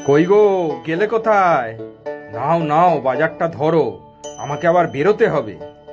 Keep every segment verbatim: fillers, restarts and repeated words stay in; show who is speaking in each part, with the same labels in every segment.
Speaker 1: কই গো, গেলে কোথায়? নাও নাও, বাজারটা ধরো, আমাকে আবার বেরোতে হবে।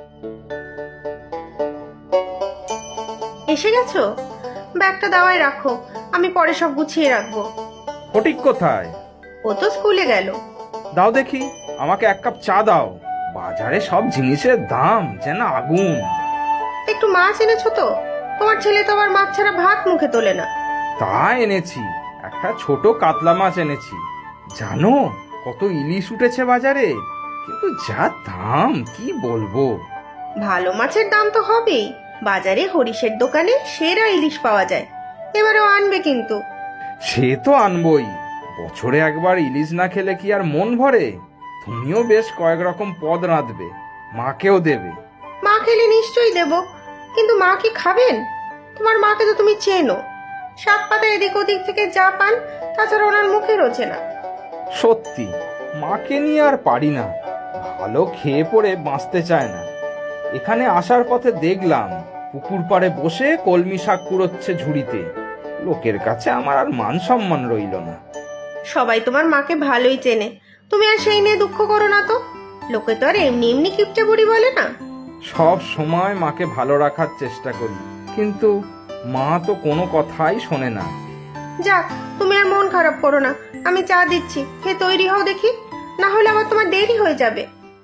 Speaker 2: এসে গেছো? ব্যাগটা দাওয়ায় রাখো, আমি পরে সব গুছিয়ে রাখবো।
Speaker 1: ফটিক কোথায়?
Speaker 2: ও তো স্কুলে গেল।
Speaker 1: দাও দেখি, আমাকে এক কাপ চা দাও। বাজারে সব জিনিসের দাম যেন আগুন।
Speaker 2: একটু মাছ এনেছো তো? তোমার ছেলে তো আবার মাছ ছাড়া ভাত মুখে তোলে না।
Speaker 1: তা এনেছি, একটা ছোট কাতলা মাছ এনেছি। জানো কত ইলিশ উঠেছে বাজারে? কিন্তু যা দাম কি বলবো।
Speaker 2: ভালো মাছের দাম তো হবেই, বাজারে হরিশের দোকানে সেরা ইলিশ পাওয়া যায়। এবারেও আনবে কিন্তু।
Speaker 1: সে তো আনবই, বছরে একবার ইলিশ না খেলে কি আর মন ভরে? তুমিও বেশ কয়েক রকম পদ রাঁধবে, মাকেও দেবে।
Speaker 2: মা খেলে নিশ্চয়ই দেব, কিন্তু মা কি খাবেন? তোমার মাকে তো তুমি চেনো, শাক পাতা এদিক ওদিক থেকে যা পান তাছাড়া ওনার মুখে রোচে না।
Speaker 1: সত্যি, মাকে নিয়ে আর পারি না, ভালো খেয়ে পড়ে বাঁচতে চায় না। এখানে আসার পথে দেখলাম পুকুর পাড়ে বসে কলমি শাক কুড়োচ্ছে ঝুড়িতে। লোকের কাছে আমার আর মান সম্মান রইল না।
Speaker 2: সবাই তোমার মাকে ভালোই চেনে, তুমি আর সেই নিয়ে দুঃখ করো না তো। লোকে তো আর এমনি এমনি কিপটে বুড়ি বলে না।
Speaker 1: সব সময় মাকে ভালো রাখার চেষ্টা করি, কিন্তু মা তো কোনো কথাই শোনে না।
Speaker 2: যাক, তুমি আর মন খারাপ করো না, আমি চা দিচ্ছি, খেয়ে তৈরি হও দেখি, না হলে আবার তোমার দেরি হয়ে যাবে।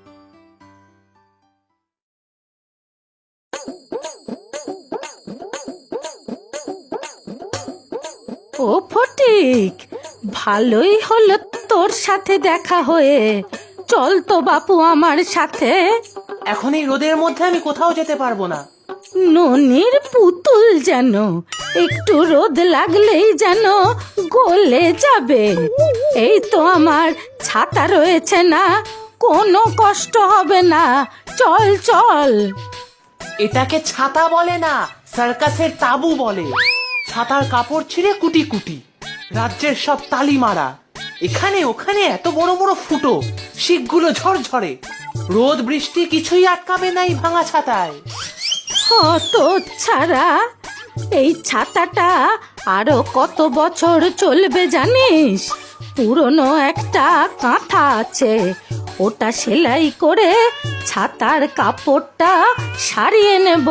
Speaker 3: ও ফটিক, ভালোই হলো তোর সাথে দেখা হয়ে। চল তো বাপু আমার সাথে।
Speaker 4: এখন এই রোদের মধ্যে আমি কোথাও যেতে পারবো না।
Speaker 3: ননির পুতুল যেন একটু রোদ লাগলেই যেন গলে যাবে। এই তো আমার ছাতা রয়েছে না, কোনো কষ্ট হবে না। চল চল।
Speaker 4: এটাকে ছাতা বলে না, সার্কাসের তাবু বলে। ছাতার কাপড় ছিঁড়ে কুটি কুটি, রাজ্যের সব তালি মারা। এখানে ওখানে এত বড় বড় ফুটো, শিকগুলো ঝরঝরে। রোদ বৃষ্টি কিছুই আটকাবে না এই ভাঙা ছাতায়।
Speaker 3: কত ছাড়া, এই ছাতাটা আরো কত বছর চলবে জানিস? পুরনো একটা কাঁথা আছে, ওটা সেলাই করে ছাতার কাপড়টা সারিয়ে নেব।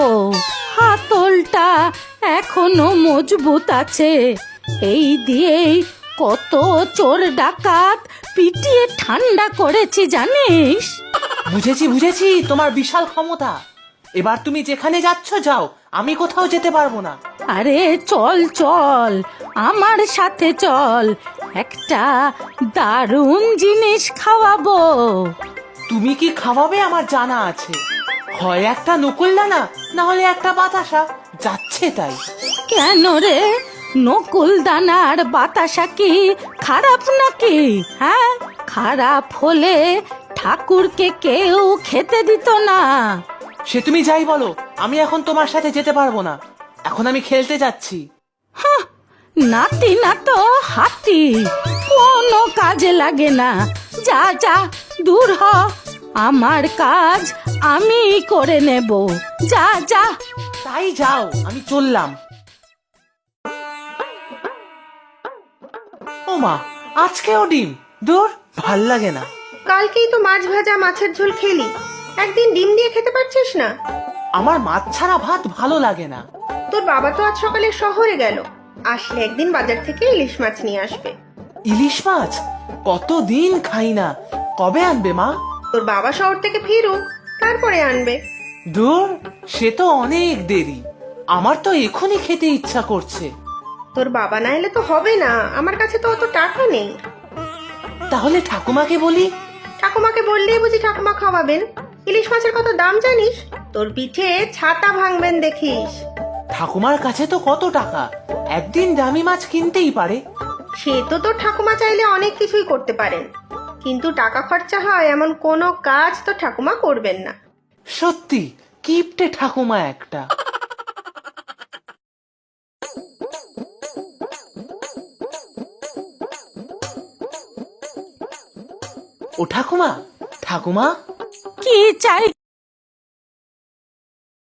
Speaker 3: হাতলটা এখনো মজবুত আছে, এই দিয়েই কত চোর ডাকাত পিটিয়ে ঠান্ডা করেছি জানিস?
Speaker 4: বুঝেছি বুঝেছি তোমার বিশাল ক্ষমতা। এবার তুমি যেখানে যাচ্ছ যাও, আমি কোথাও যেতে পারবো না।
Speaker 3: আরে চল চল, আমার সাথে চল, একটা দারুণ জিনিস খাওয়াবো।
Speaker 4: তুমি কি খাওয়াবে আমার জানা আছে। হয় একটা নকুলদানা, না হলে একটা বাতাসা, যাচ্ছে তাই।
Speaker 3: কেন রে, নকুল দানার বাতাসা কি খারাপ নাকি? হ্যাঁ, খারাপ হলে ঠাকুরকে কেউ খেতে দিত না।
Speaker 4: সে তুমি যাই বলো, আমি এখন তোমার সাথে যেতে পারবো না। এখন আমি খেলতে যাচ্ছি।
Speaker 3: হাহ, নাতি না তো হাতি, কোনো কাজে লাগে না। যা যা, দূর হ, আমার কাজ আমি করে নেব। যা যা।
Speaker 4: তাই যাও, আমি চললাম। ও মা, আজকেও ডিম? দূর, ভাল লাগে না।
Speaker 2: কালকেই তো মাছ ভাজা মাছের ঝোল খেলি, একদিন ডিম দিয়ে খেতে পারছিস না?
Speaker 4: আমার মাছ ছাড়া ভাত ভালো লাগে না।
Speaker 2: তোর বাবা তো আজ সকালে শহরে গেল, আসলে একদিন বাজার থেকে ইলিশ মাছ নিয়ে আসবে।
Speaker 4: ইলিশ মাছ কতদিন খাই না, কবে আনবে মা?
Speaker 2: তোর বাবা শহর থেকে ফিরুক, তারপরে আনবে।
Speaker 4: দূর, সে তো অনেক দেরি। আমার তো এখনই খেতে ইচ্ছা করছে।
Speaker 2: তোর বাবা না এলে তো হবে না, আমার কাছে তো অত টাকা নেই।
Speaker 4: তাহলে ঠাকুমাকে বলি।
Speaker 2: ঠাকুমাকে বললেই বুঝি ঠাকুমা খাওয়াবেন? ইলিশ মাছের কত দাম জানিস? তোর পিঠে ছাতা ভাঙবেন দেখিস।
Speaker 4: ঠাকুমার কাছে তো কত টাকা, একদিন দামি মাছ কিনতেই পারে।
Speaker 2: সে তো তোর ঠাকুমা চাইলে অনেক কিছুই করতে পারেন, কিন্তু টাকা খরচা হয় এমন কোনো কাজ তো ঠাকুমা করবেন না।
Speaker 4: সত্যি কিপটে ঠাকুমা একটা। ও ঠাকুমা, ঠাকুমা,
Speaker 3: কি চাই